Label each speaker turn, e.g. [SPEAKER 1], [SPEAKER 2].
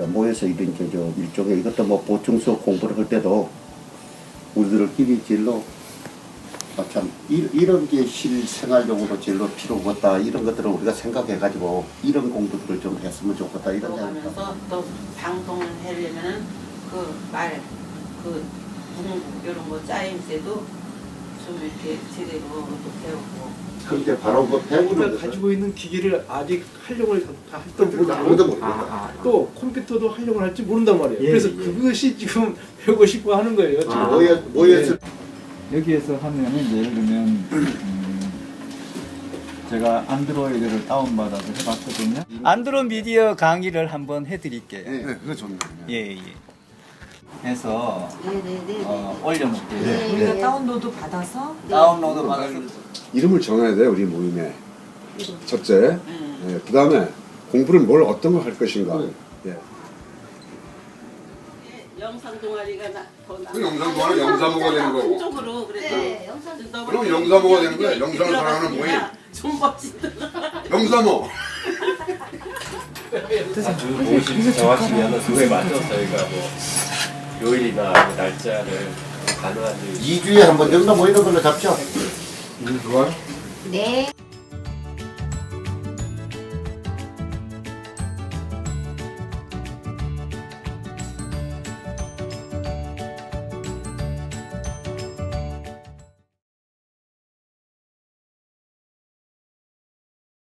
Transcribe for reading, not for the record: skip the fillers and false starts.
[SPEAKER 1] 모여서 이런 저 일종의 이것도 뭐 보충 수업 공부를 할 때도 우리들끼리 진로 참 이런 게 실생활용으로 진로 필요가 없다 이런 것들을 우리가 생각해가지고 이런 공부들을 좀 했으면 좋겠다 이런 생각을
[SPEAKER 2] 하면서 또 방송을 하려면 그 문구 이런 거 짜임새도 좀 이렇게 제대로 또 배우고.
[SPEAKER 1] 근데 바로 그 배우는
[SPEAKER 3] 우리가
[SPEAKER 1] 것을
[SPEAKER 3] 가지고 있는 기기를 아직 활용을 다
[SPEAKER 1] 또
[SPEAKER 3] 할지
[SPEAKER 1] 아무도 모르겠다.
[SPEAKER 3] 또 컴퓨터도 활용을 할지 모른단 말이에요.
[SPEAKER 4] 예,
[SPEAKER 3] 그래서
[SPEAKER 4] 예.
[SPEAKER 3] 그것이 지금 배우고 싶고 하는 거예요. 지금.
[SPEAKER 1] 모여서
[SPEAKER 4] 여기에서 하면은 예를 들면 제가 안드로이드를 다운받아서 해봤거든요. 안드로 미디어 강의를 한번 해드릴게요.
[SPEAKER 1] 네, 그거 좋네요.
[SPEAKER 4] 예. 해서
[SPEAKER 2] 네네네.
[SPEAKER 4] 올려놓을게요.
[SPEAKER 1] 네.
[SPEAKER 5] 우리가 다운로드 받아서
[SPEAKER 4] 다운로드 받아서
[SPEAKER 6] 이름을 정해야 돼요, 우리 모임에. 첫째. 예, 그 다음에 공부를 어떤 걸 할 것인가. 예.
[SPEAKER 2] 영상 동아리가 더
[SPEAKER 6] 그 영상 동아리 영사모가 되는 거고.
[SPEAKER 2] 한쪽으로 그래서
[SPEAKER 7] 네, 영상
[SPEAKER 6] 그럼 영사모가 되는 거야. 영상을 사랑하는 모임.
[SPEAKER 2] 좀 멋지더라.
[SPEAKER 6] 영사모.
[SPEAKER 8] 아주 모신 정하시면 그거에 맞춰서 저희가 뭐 요일이나 날짜를 가능한지
[SPEAKER 1] 2주에 한 번 정도 모이는 걸로 잡죠.
[SPEAKER 7] 네.